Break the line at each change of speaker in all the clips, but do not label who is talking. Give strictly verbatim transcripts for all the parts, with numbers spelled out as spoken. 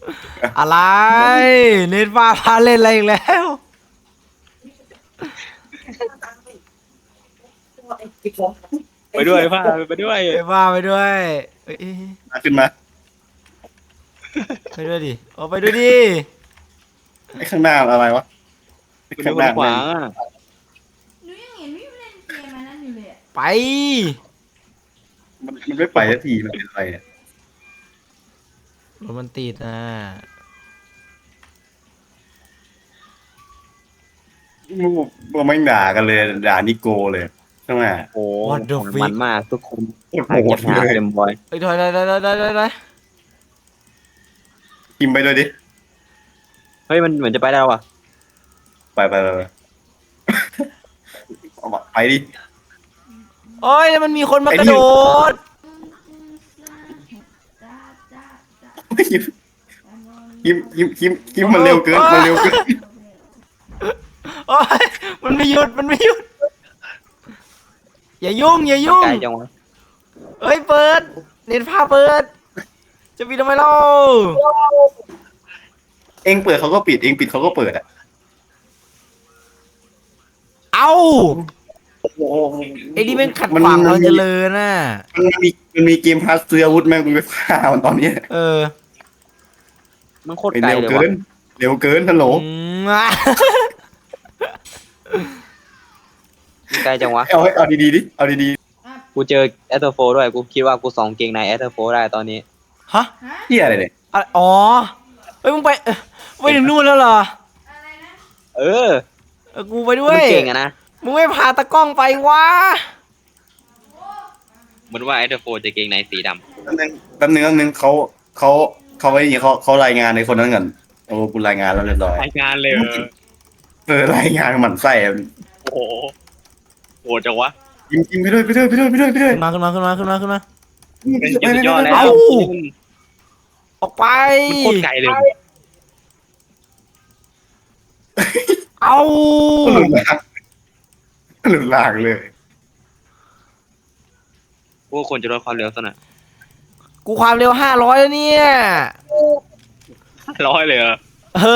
อะไรเน็ตฟ้าพาเล่นอะไรอีกแล้ว
ไปด้วยผ้าไปด้วย
เอ้ยว่าไปด้วยเอ้ย
มาขึ้นมา
ไปด้วยดิโอ้ไปด้วยดิ
ไอ้ข้างหน้าอะไรวะไอ้
ไปด้
ข้า
วย
งหน้า
ขวางอ่ะ
หนูยังเห็นพี่เล่นเกมอันนั้นอยู่เลยอะ
ไป
มันมันไม่ไปสักทีมันเป็นอะไรอ่ะ
รถมันติดอ่ะ
มันไม่ด่ากันเลยด่านิโกเลยข้างหน้า
โอ้มันมากทุกคน
โคตร
หา
โห
เก็
ด
บหา
เลย
เต็มบอย
เอ้ยถอยถอยถอยถอยถอยถอยถอย
กินไปด้วยดิ
เฮ้ยมันเหมือนจะไปได้แล้วว่ะ
ไปไปไปไปเอามาไปดิ
โอ้ยแล้วมันมีคนมากระโดด
จ้าจ้าจ้า
คิมคิมคิมคิมคิมมันเร็วเกินมันเร็วเกิน
โอ้ยมันไม่หยุดมันไม่หยุดอย่ายุ่งอย่ายุ่ง
ไกลจังวะ
เอ้ยเปิดเน็ตผ้าเปิด จะปิดทำไมเล่า
เองเปิดเขาก็ปิดเองปิดเขาก็เปิดอ่ะ
เอ้า
โอ้โห
ไอ้นี่เป็นขัดขวางเราเจริญน่ะ
มันมีมันมีเกมพาสซื้ออาวุธแม่งกูไปฆ่ามันตอนนี้
เออ
มันโคตร
ไอ้
ไกล
เร็ว
เลย
เกิ
ว่ะ
นเร็วเกินฮัลโหล
อืมอ่ะ
ไกลจังวะ
เอาให้เอาดีๆดิเอาดี
กูเจอแอตเทอร์โฟด้วยกูคิดว่ากูสองเกงในแอตเทอร์โฟได้ตอนนี้
ฮะ
ฮะ
ๆเฮียอะไรเนี่ย
อะไรอ๋อเฮ้ยมึงไปเอ้ยไปถึงนู่นแล้วเหรอ
อะไรนะ
เออ
เออกูไปด้ว
มัน
ย
เก่งอะนะ
มึงไม่พาตะกล้องไปวะ
เหมือนว่าแอตเทอร์โฟจะเกงในสีดำ
แป๊บนึงแป๊บนึงแป๊บนึงเขาเขาเขาไว้อย่างเขาเขารายงานในคนนั้นก่อนโอ้กูรายงานแล้วเรียบร้อย
รายงานเลย
เออรายงานหมั่นไส้อะ
โอ้โหโหดจังวะ
กินกินไปด้วยไปด้วยไปด้วยไปด้วยไปด้วย
ขึ้นมาขึ้นมาขึ้นมาขึ้นมาขึ้นมา
เป็นสุดยอดแล้ว
เอ้า ออกไป
มันโคตรไกลเลย
เอ้า
หลุดลางหลุดลางเลย
พวกคนจะลดความเร็วซะหน่อย
กูความเร็วห้าร้อยแล้วเนี่ย
ร้อยเลยเหรอ
เออ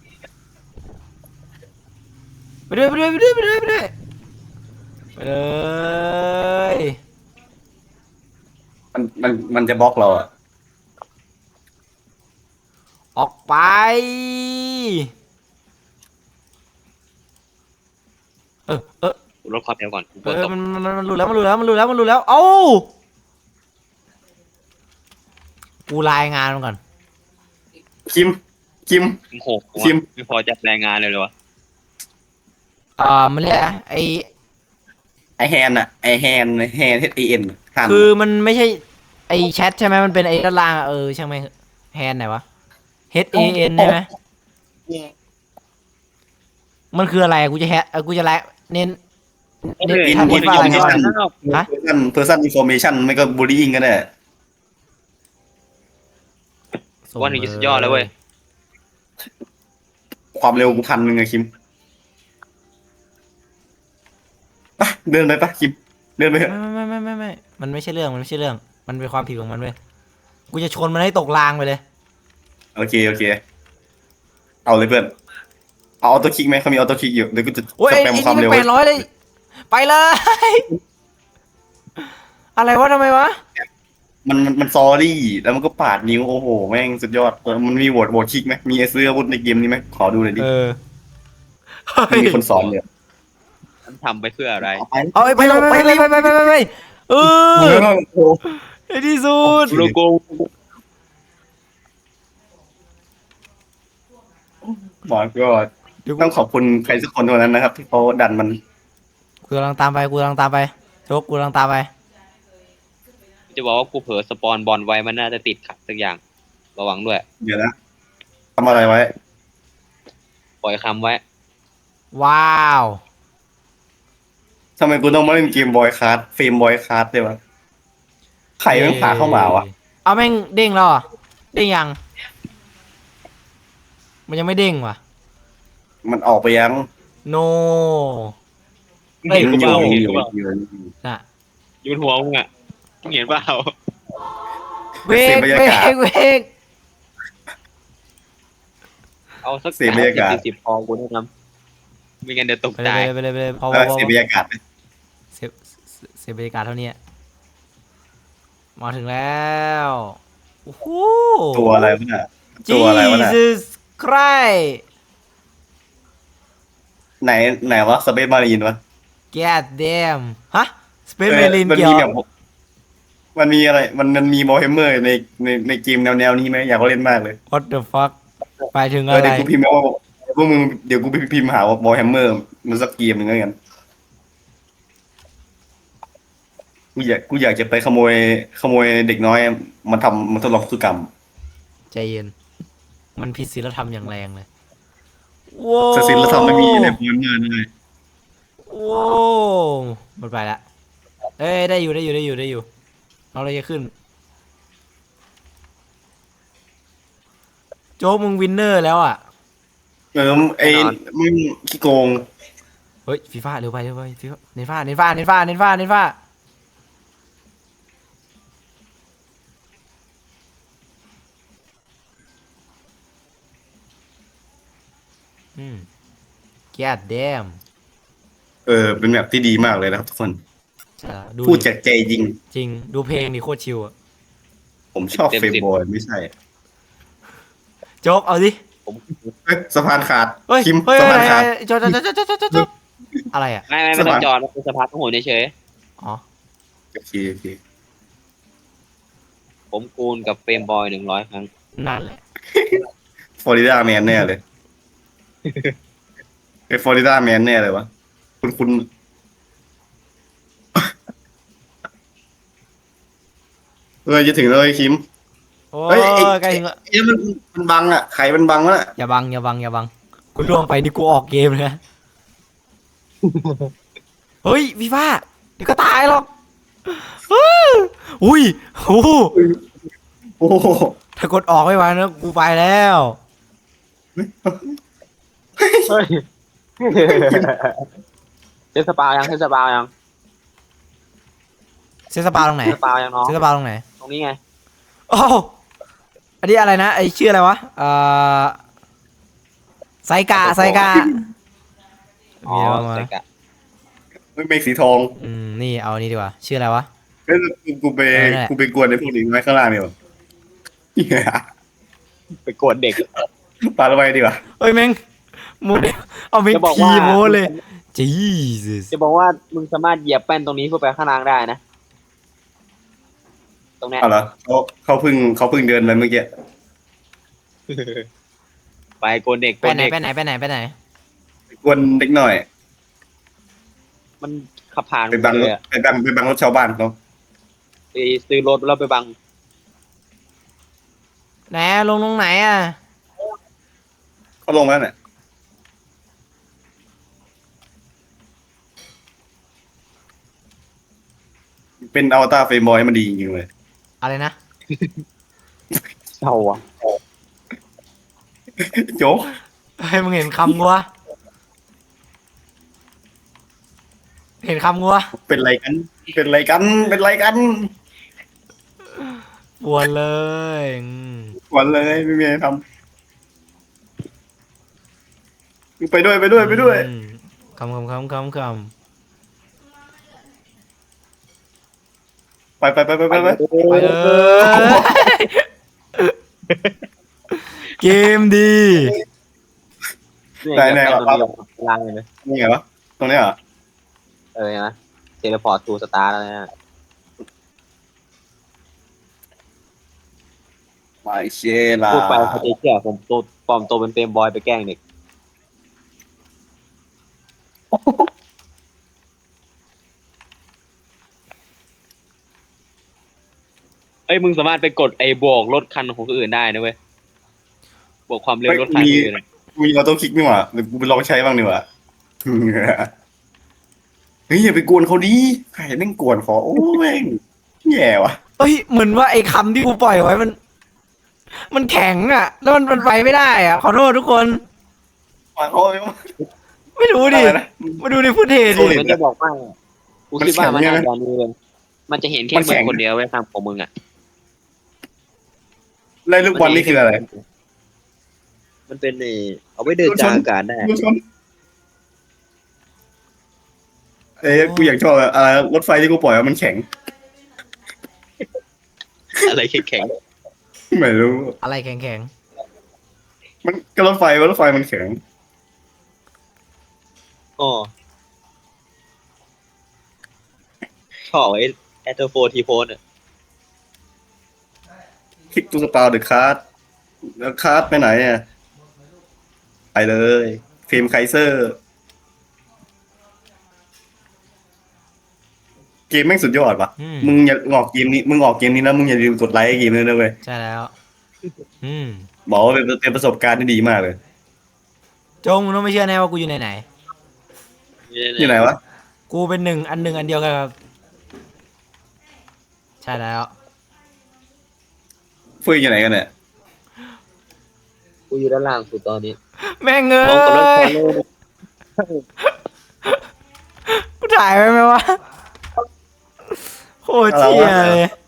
ไปด้วยไปด้วยไปด้วยไปด้วยไปด้วยไปเลย
มันมันมันจะบล็อกเราอ่ะ
ออกไป เออเออ
ลดความเร็วก่อนกู
เอ
เปิด
อ
ตก
มันมันมันรู้แล้วมันรู้แล้วมันรู้แล้วมันรู้แล้ว เอ้า กูรายงานมันก่อน
คิมคิม
โอ้โห
ชิม
ไม่พอจัดรายงานเลยเลยวะ
อ่ามันเรียกอะไรไอ
ไอแฮนอะไอแฮนแฮนเอชเอ็นหัน
คือมันไม่ใช่ไอแชทใช่ไหมมันเป็นไอด้านล่างอะเออช่างไหมงแฮนไหนวะ H A N ใช่ไหมมันคืออะไรกูจะแฮเออกูจะไลน์เน้นเน้น
อิน
ทำ
อิ
เน้
น
น
ฟ
ว่า
อ
อะไร
ร์เม
ครับ
ชั่น
ฮะ
เพอร์ซันเพอร์ซันอินฟอร์เมชั่นไม่ก็บูลลี่ก็ได้
วันนี้สุดยอดแล้วเว้ย
ความเร็วกูพันหนึ่งอะคิมไปเดินไปปะคิมเดินไปเถอะ
ไม่ไม่ไม่ไม่ไม่มันไม่ใช่เรื่องมันไม่ใช่เรื่อง มันเป็นความผิดของมันเว้ยกูจะชนมันให้ตกรางไปเลย
โอเคโอเค เอาเลยเพื่อนเอาออโต้คลิกไหมเขามีออโต้คลิกอยู่เดี๋ยวกูจะ
โอ้ย
ส
ไอ้
แปม
ไอ้
ความ
นี่
เร็ว
มันแปดร้อยเลย ไปเลย อะไรวะทำไมวะ
มันมันมันซอรี่แล้วมันก็ปาดนิ้วโอ้โหแม่งสุดยอดเออมันมีโหวตโหวตคลิกไหมมีไอ้ซื้ออาวุธในเกมนี้ไหมขอดูหน่อยดิ
เออเฮ้ย
มีคนสอนเลย
มันทำไปเพื่ออะไร
เอาไป
เอาไปไปไปไปไปไปไปไปไปเออ
เออโอ้
ไอ้ที่สุด
โลโก้
หมอก็ต้องขอบคุณใครสักคนเท่านั้นนะครับ ที่เขาดันมัน
กูกำลังตามไปกูกำลังตามไปโชคกูกำลังตามไป
จะบอกว่ากูเผลอสปอนบอลไว้มันน่าจะติดขัดสักอย่าง ระวังด้วย
เดี๋ยวนะทำอะไรไว้
ปล่อยคำไว้
ว้าว
ทำไมกูต้องมาเล่นเกมบอยคาร์ดเฟรมบอยคาร์ดด้วยวะใครแม่งพาเข้ามาวะ
เอาแม่งเด้งแล้วเหรอเด้งยัง มันยังไม่เด้งว่ะ
มันออกไปยัง
โน
เฮ้ยกูเปล่า
อ
เห็น
ยู่
กูเปล่า
อยู่
น่ะ
อยู่บนหัวมึงอ่ะมึงเห็นเปล่า
เวกเวกเวก
เอาสัก
เสียบรรยากาศ
สิบพอกูแนะนำไม่งั้นเดี๋ยวตก
ไป
ใจ
เลยไปเลยไปเลยพอพ
เอ
อ
อ
พอ
เสียบรรยากาศไหม
เสียเสียบรรยากาศเท่านี้มาถึงแล้วโอ้โห
ตัวอะไรวะน่ะตัวอะไรวะน่ะ
Jesus Christ
ไหนไหนวะสเปซมารีนวะ
God damn ฮะสเปซ
เอ
เม
อ
ลิน
มัน
เกี่ยว
มีแบบมันมีอะไรมันมันมีบอลเฮมเมอร์ในในในเกมแนวแนวนี้ไหมอยากเล่นมากเลย
What the fuck ไปถึง
เอ
อะ
อ
ไร
เดี๋ยวกูพิมพ์มาว่าพวกมึงเดี๋ยวกูไปพิมพ์หาว่าบอลแฮมเมอร์มันสักเกมหนึ่งแล้วกันกูอยากกูอยากจะไปขโมยขโมยเด็กน้อยมาทำมาทดลองพฤติกรรม
ใจเย็น มันผิดศีลธรรมอย่างแรงเลยว้าว
สศิลธรรมไม่มีในบอลเงินเลย
ว้าวหมดไปละเอ้ยได้อยู่ได้อยู่ได้อยู่ได้อยู่เราเลยจะขึ้น โจ๊กมึงวินเนอร์แล้วอ่ะ
เออไอ้มึงขี้โกง
เฮ้ยฟีฟ่าเร็วไปเร็วไปฟีฟ่าเน้นฟ้าเน้นฟ้าเน้นฟ้าเน้นฟ้าเน้นฟ้าอืม God damn
เออเป็นแบบที่ดีมากเลยนะครับทุกคน
ใช่แล้วดู
พูด
ดิ
จากใจจริง
จริงดูเพลงนี่โคตรชิวอะ
ผมชอบเฟรมบอยไม่ใช่
โจ๊กเอาดิ
ผม
เฮ้ยสะพานขาด
เฮ้ย
คิม
เฮ้ย
สะ
เฮ้
พาย นขาด
เฮ้ยโจ๊กโจ๊กโจ๊กโจ๊กโจ๊กโจ๊กโจ๊กอะไรอ่ะ
ไม่ไม่ไม่ต้องจอดมันเป็นสะพานต้องหัวเฉย
อ๋อ
โอเคโอเค
ๆผมคูณกับเฟรมบอยหนึ่งร้อยครั้ง
นั่นแหละ
ฟลอริดาแมนแน่เลยไอ้ฟลอริดาแมนแน่เลยวะคุณคุณเออจะถึงแล้วไอ้คิม
โอ้
เฮ้ยไอ้
ยใกล้ถึงแล้ว
เอ้ยมันมันบังอ่ะไข่มันบังแล้วน่ะ
อย่าบังอย่าบังอย่าบังกูล่วงไปนี่กูออกเกมเลยนะเฮ้ยฟีฟ่าเดี๋ยวก็ตายหรอกอุ้ยโอ้โห
โอ้โห
ถ้ากดออกไม่ไหวนะกูไปแล้ว
เฮ้ยเทสปายังเทสปายัง
เซนสปาตรงไหน
เทสปายังน้อง
เซนสปาตรงไหน
ตรงนี้ไง
โอ้โหอันนี้อะไรนะไอชื่ออะไรวะเอ่อไซกาไซกา
อ๋อ
มีอะไรมา
ใส่กะ
ไม่เมฆสีทอง
อืมนี่เอาอันนี้ดีกว่าชื่ออะไรวะ
เฮ้ยกูไป
เออนั่นแหละ
กูไปกวนในพวกนี้ไว้ข้างล่างดีกว่าเหี้ย
ไปกดเด็ก
ปาระไว้ดีกว่า
เอ้ยแม่งโมเดลเอาเป็น
จะบอก
ที
ว่า
โมเลยจีส
จะบอกว่ามึงสามารถเหยียบแป้นตรงนี้เพื่อไปข้างล่างได้นะ ตรงเนี้ย
เอาเหรอเขาเขาเพิ่งเขาเพิ่งเดินไปเมื่อกี้
ไปโกนเด็ก
ไป
โกน
ไหน
เด็ก
ไปไหนไปไหนไปไหน
ไปกวนเด็กหน่อย
มันขับผ่าน
ไปบัง
เลยอะ
ไปบังไปบังรถชาวบ้านเขา
ไปซื้อรถแล้วไปบัง
ไหนอะลงตรงไหนอ่ะ
เขาลงแล้วเนี่ยเป็นอวตารเฟรมบอยมันดีจริงๆเลย
อะไรนะ
เศร้าอ่ะ
โจ๊ก
ให้มึงเห็นคำกูวะเห็นคำกูวะ
เป็นไรกัน เป็นไรกัน เป็นไรกัน
ปวดเลยอืม
กวนเลยไม่มีอะไรทำไปด้วยไปด้วยไปด้วย
อืมคำคำคำคำค
ไปไปไปไปไปไป
ำไปเลยเกมดี
เนี่ยเหยียบแป้นตรงนี้อยู่ข้างล่างเลยนะ
นี่ไงวะตรงนี้เหรอ
เออนะเทเลพอร์ตทูสตาร์แล้วเนี่ย
ไม่เชล่า
พูดไปเขาจะเชื่อผมตัวปลอมตัวเป็นเฟรมบอยไปแกล้งเด็กเอ้ยมึงสามารถไปกดไอ้บวกรถคันของคนอื่นได้นะเว้ยบวกความเร็วรถคันอื่นอะ
มีเราต้องคลิกนี่หว่าเดี๋ยวกูไปลองใช้บ้างดีกว่าเฮ้ยอย่าไปกวนเขาดิใครแม่งกวนขอโอ้แม่งแย่ว่ะ
เอ้ยเหมือนว่าไอ้คำที่กูปล่อยไว้มัน มันแข็งอ่ะ แล้วมันมันไปไม่ได้อ่ะ ขอโทษทุกคน
มาเขาไม่ว่า
ไม่รู้ดิ
อะไรนะ
มาดูในฟุตเทจ
โซลิ
ดิ
ด
มันจะบอกว่ากูคิดว่ามันน่าจะมีเลยมันจะเห็นแค่
มัน
มึ
แข็
ง
ง
คนเดียวไว้ยทำของมึงอ่ะ
ไล่ลูกบอลนี่คืออะไร
มันเป็นในเอาไว้เดินกลางอากาศได้
รถชนเอ้ยกูอยากชอบอะอะไรรถไฟที่กูปล่อยอะมันแข็ง
อะไรแข็ง
ไม่รู้
อะไรแข็ง
มันก็รถไฟว่ารถไฟมันแข็ง
ๆอ๋อชอบไอ้แอตโฟทีโพนอ่ะ
คลิกตูสตาร์เดอะคาร์ดแล้วคาร์ดไปไหนอ่ะไปเลยเฟรมไคเซอร์ เกมแม่งสุดยอดว่ะ
ๆอืม
มึงอย่าออกเกมนี้มึงออกเกมนี้นะมึงอย่าลืมกดไลค์ให้เกมนี้นะเว้ย
ใช่แล้ว อืม
บอกว่าเป็นเป็นประสบการณ์ที่ดีมากเลย
จงมึงต้องไม่เชื่อแน่ว่ากูอยู่ไหนไหน
อยู่ไหนวะ
ๆกูเป็นหนึ่งอันหนึ่งอันเดียวกันครับใช่แล้ว
เฟื่องอยู่ไหนกันเนี่ย
กูอยู่ด้านล่างสุดตอนนี้
แม่งเอ้
น้องกับรถฟอล
ย
โล่
กูถ่ายไว้ไหมวะโคตรเชี่ยเลย